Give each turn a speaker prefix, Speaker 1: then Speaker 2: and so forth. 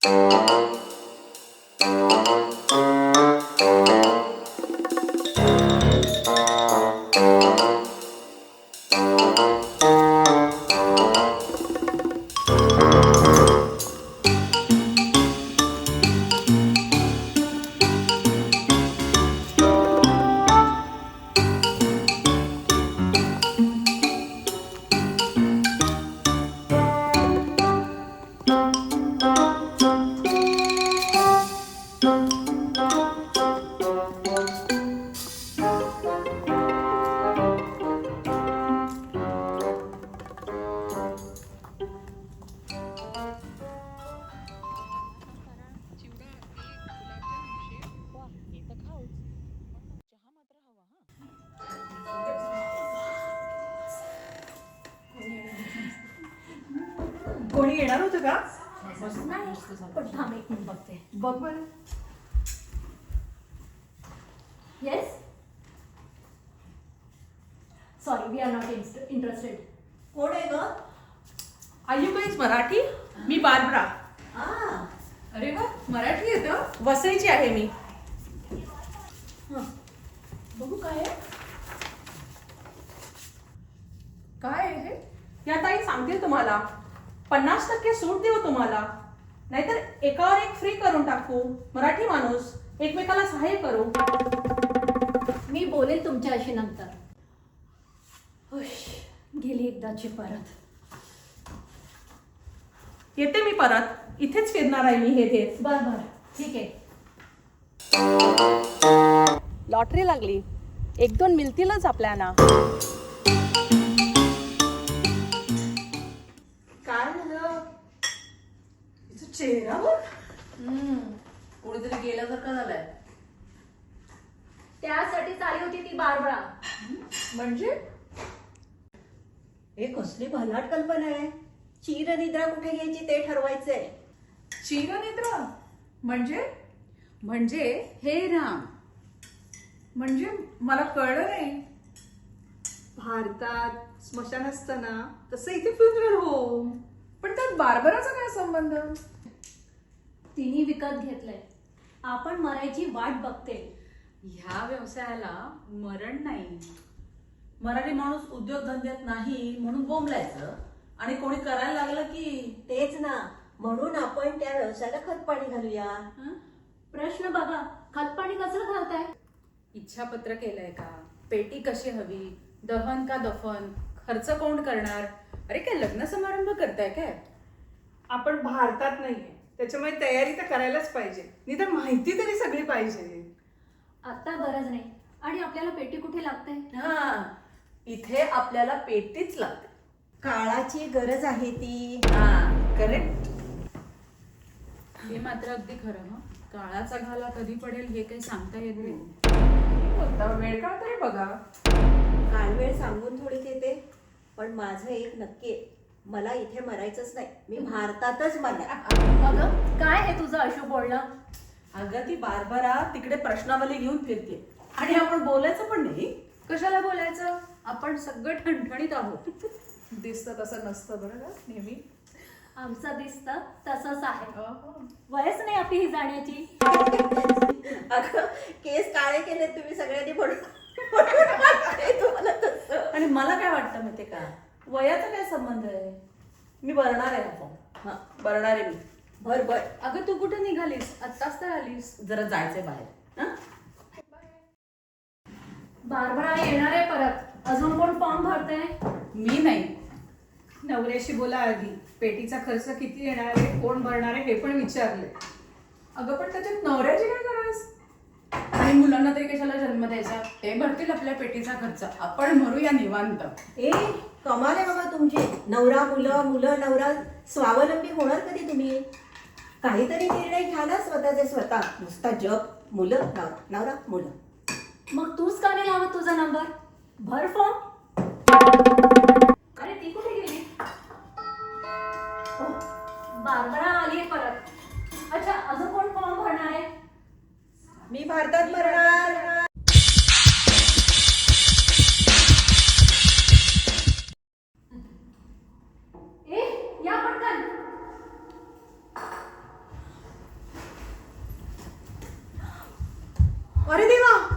Speaker 1: कोणी येणार होतं का?
Speaker 2: पण थांब एक मिनिट बघते.
Speaker 1: बघ बरं.
Speaker 2: Yes, sorry, we are not interested.
Speaker 3: कोण आहे ग?
Speaker 1: Are you guys Marathi? मी बार्बरा.
Speaker 3: अरे वा, मराठी येतं.
Speaker 1: वसईची आहे मी.
Speaker 3: बघू काय आहे.
Speaker 1: काय आहे हे? या ताई सांगतील तुम्हाला. 50% सूट देऊ तुम्हाला, नाहीतर एकावर एक फ्री करून टाकू. मराठी माणूस एकमेकाला सहाय्य करू.
Speaker 2: मी बोलेल तुमच्याशी नंतर. गेली एकदाची परत.
Speaker 1: येते मी परत. इथेच फिरणार आहे मी हे देत.
Speaker 2: बर बर, ठीक आहे.
Speaker 1: लॉटरी लागली. 1-2 मिळतीलच आपल्याला.
Speaker 3: काय झालं? तिचा चेहरा बघ. कोणीतरी गेल्यासारखा झालाय.
Speaker 2: त्यासाठीच आली होती ती बार्बरा.
Speaker 3: म्हणजे
Speaker 4: हे कसली भन्नाट कल्पना आहे. चिरनिद्रा कुठे घ्यायची ते ठरवायचंय.
Speaker 3: चिरनिद्रा म्हणजे हे राम. म्हणजे मला कळलं नाही. भारतात स्मशान असताना तसं इथे फ्युनरल होम, पण त्यात बार्बराचा काय संबंध?
Speaker 2: तिने विकत घेतलंय. आपण मरायची वाट बघते.
Speaker 5: ह्या व्यवसायाला मरण नाही. मराठी माणूस उद्योगधंद्यात नाही म्हणून बोंबलायचं आणि कोणी करायला लागलं की
Speaker 4: तेच ना, म्हणून आपण त्या व्यवसायाला खत पाणी घालूया.
Speaker 2: प्रश्न बघा, खतपाणी कसं घालताय?
Speaker 5: इच्छापत्र केलंय का, पेटी कशी हवी, दहन का दफन, खर्च कोण करणार? अरे काय लग्न समारंभ करताय काय?
Speaker 1: आपण भारतात नाहीये, त्याच्यामुळे तयारी तर करायलाच पाहिजे. निदान माहिती तरी सगळी पाहिजे.
Speaker 2: आता गरज नाही. आणि आपल्याला पेटी कुठे लागते?
Speaker 3: हा, इथे आपल्याला पेटीच लागते.
Speaker 4: काळाची गरज आहे ती.
Speaker 3: हा, करेक्ट.
Speaker 5: हे मात्र अगदी खरं. हं, काळाचा घाला कधी पडेल हे काही सांगता येत नाही.
Speaker 1: वेळ का तरी बघा.
Speaker 4: काळवेळ सांगून थोडीच येते. पण माझं एक नक्की आहे, मला इथे मरायचंच नाही. मी भारतातच मरणार.
Speaker 2: अगं काय आहे तुझं अशू बोलणं?
Speaker 3: अगं ती बार्बरा तिकडे प्रश्नावली घेऊन फिरते आणि आपण बोलायचं पण नाही.
Speaker 5: कशाला बोलायचं? आपण सगळं ठणठणीत आहोत.
Speaker 1: दिसतं तसं नसतं बरं का नेहमी.
Speaker 2: आमचं दिसतं तसंच आहे. वयच नाही आपली ही जाण्याची.
Speaker 4: अगं केस काळे केले तुम्ही सगळ्यांनी म्हणून तुम्हाला तसं.
Speaker 3: आणि मला काय वाटतं माहितीये का, वयाचा काय संबंध आहे. मी भरणार आहे हा फॉर्म. हा, भरणार आहे मी.
Speaker 4: बर बर.
Speaker 5: अगं तू कुठे निघालीस? आत्ताच तर आलीस.
Speaker 3: जरा जायचंय बाहेर. हा,
Speaker 2: बार्बरा येणार आहे परत. अजून कोण फॉर्म भरते?
Speaker 5: मी नाही.
Speaker 1: नवऱ्याशी बोला आधी. पेटीचा खर्च किती येणार आहे, कोण भरणार आहे हे पण विचारले.
Speaker 3: अगं पण त्याच्यात नवऱ्याची काय गरज.
Speaker 5: आणि मुलांना तरी कशाला जन्म द्यायचा? ते भरतील आपल्या पेटीचा खर्च. आपण भरूया निवांत.
Speaker 4: ए कमाल आहे बाबा तुमची. नवरा मुलं, मुलं नवरा. स्वावलंबी होणार कधी तुम्ही? काहीतरी निर्णय घ्या ना स्वतःचे स्वतः. नुसता जग, मुलं, नवरा, नवरा, मुलं.
Speaker 2: मग तूच का नाही लावत तुझा नंबर? भर फॉर्म. अरे ती कुठे गेली? बार्बरा आली आहे परत. अच्छा, अजून कोण फॉर्म भरणार आहे?
Speaker 4: मी भारतात मरणार.
Speaker 2: ए या पटकन.
Speaker 1: अरे देवा